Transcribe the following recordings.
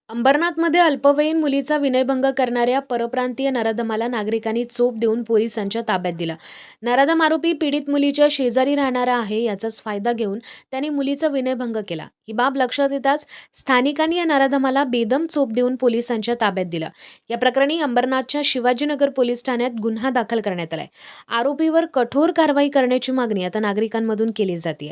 अंबरनाथमध्ये अल्पवयीन मुलीचा विनयभंग करणाऱ्या परप्रांतीय नराधमाला नागरिकांनी चोप देऊन पोलिसांच्या ताब्यात दिला. नराधम आरोपी पीडित मुलीच्या शेजारी राहणारा आहे. याचाच फायदा घेऊन त्याने मुलीचा विनयभंग केला. ही बाब लक्षात येताच स्थानिकांनी या नराधमाला बेदम चोप देऊन पोलिसांच्या ताब्यात दिलं. या प्रकरणी अंबरनाथच्या शिवाजीनगर पोलीस ठाण्यात गुन्हा दाखल करण्यात आलाय. आरोपीवर कठोर कारवाई करण्याची मागणी आता नागरिकांमधून केली जाते.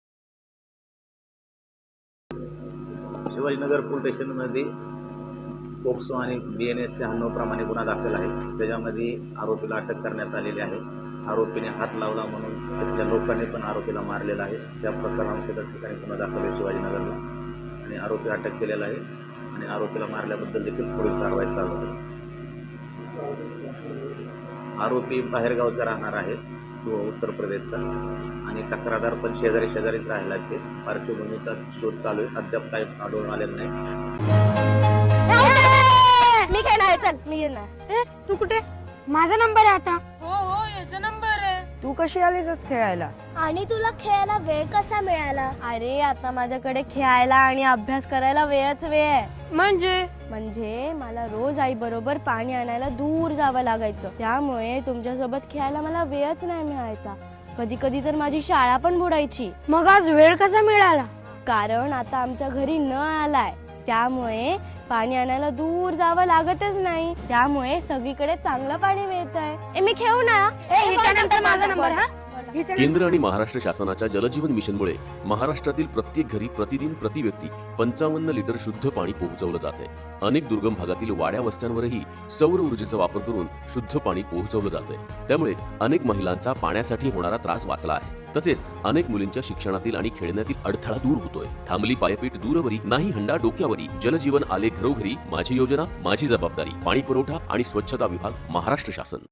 शिवाजीनगर पोलीस स्टेशनमध्ये पोक्सो आणि BNS 96 प्रमाणे गुन्हा दाखल आहे. त्याच्यामध्ये आरोपीला अटक करण्यात आलेली आहे. आरोपीने हात लावला म्हणून तिथल्या लोकांनी पण आरोपीला मारलेला आहे. त्या प्रकरणानुसार त्या ठिकाणी गुन्हा दाखल आहे शिवाजीनगरला आणि आरोपी अटक केलेला आहे आणि आरोपीला मारल्याबद्दल देखील पुढील कारवाई चालू आहे. आरोपी बाहेरगावचा राहणार आहे, तो उत्तर प्रदेशचा, आणि तक्रारदार पण शेजारीच राहिला आहे. पार्श्वभूमीचा शोध चालू आहे. अद्याप काही आढळून आलेलं नाही. मी काय नाही, चल मी येणार. तू कुठे? माझा नंबर आहे आता. हो याचा नंबर आहे. तू कशी आलीस खेळायला? आणि तुला खेळायला वेळ कसा मिळाला? अरे आता माझ्याकडे खेळायला आणि अभ्यास करायला वेळच वेळ आहे. म्हणजे मला रोज आई बरोबर पाणी आणायला दूर जावं लागायचं. त्यामुळे तुमच्यासोबत खेळायला मला वेळच नाही मिळायचा. कधी कधी तर माझी शाळा पण बुडायची. मग आज वेळ कसा मिळाला? कारण आता आमच्या घरी नळ आलाय, त्यामुळे पाणी आणायला दूर जावं लागतच नाही. त्यामुळे सगळीकडे चांगलं पाणी मिळतंय. मी खेळू ना? हिच्यानंतर माझा नंबर. हा केंद्र आणि महाराष्ट्र शासनाच्या जलजीवन मिशनमुळे महाराष्ट्रातील प्रत्येक घरी प्रतिदिन प्रति व्यक्ती 55 लिटर शुद्ध पाणी पोहोचवलं जाते. अनेक दुर्गम भागातील वाड्या वस्त्यांवरही सौर ऊर्जेचा वापर करून शुद्ध पाणी पोहोचवलं जाते. त्यामुळे अनेक महिलांचा पाण्यासाठी होणारा त्रास वाचला आहे. तसेच अनेक मुलींच्या शिक्षणातील आणि खेळण्यातील अडथळा दूर होतोय. थांबली पायपीट दूरवरी, नाही हंडा डोक्यावरी. जलजीवन आले घरोघरी. माझी योजना, माझी जबाबदारी. पाणी पुरवठा आणि स्वच्छता विभाग, महाराष्ट्र शासन.